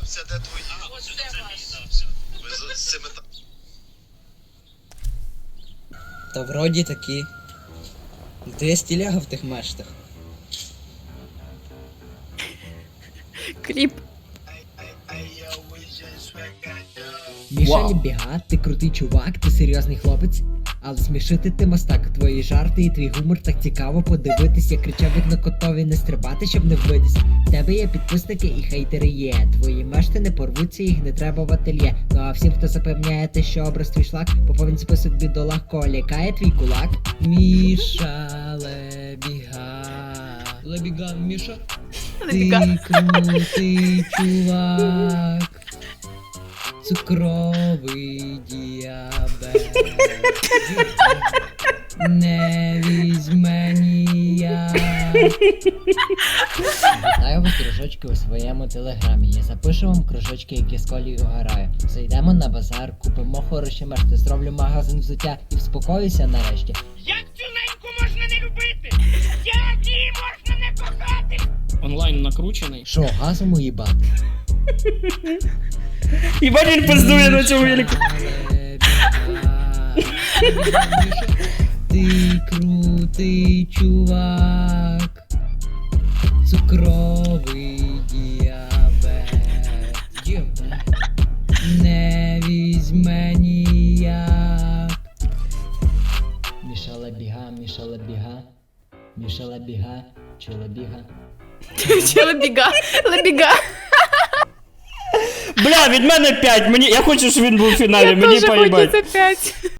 Все, де твої? Ось це ваш. Ви з цими Та вроді такі. Ти є стіляга в тих мештах. Кліп. Мішель Біга, ти крутий чувак, ти серйозний хлопець. Але смішити ти мастак, твої жарти і твій гумор так цікаво подивитись, як кричавик на котові не стрибати, щоб не вбитись. В тебе є підписники і хейтери є. Твої мешти не порвуться, їх не треба в ательє. Ну а всім, хто запевняє те, що образ твій шлак, поповнь список бідолах, кого лякає твій кулак. Міша Лебіга. Лебіга, Міша. Лебіга. Ти крутий чувак. Цукровий діабет не візьме ніяк. Вітаю вас, кружочки, у своєму телеграмі. Я запишу вам кружочки, які з колію граю. Зайдемо на базар, купимо хороші мешти, зроблю магазин взуття і вспокоюся нарешті. Як цю неньку можна не любити? Як її можна не кохати? Онлайн накручений. Шо, газом уїбати? Єбать, він пиздує на цьому велику. Ти крутий чувак. Цукровий діабет не візьме ніяк. Міша Лебіга, Міша Лебіга. Міша Лебіга, чи Лебіга? Чи Лебіга? Лебіга. Бля, від мене 5. Я хочу, щоб він був в фіналі, мені Дуже поїбать. хочеться 5.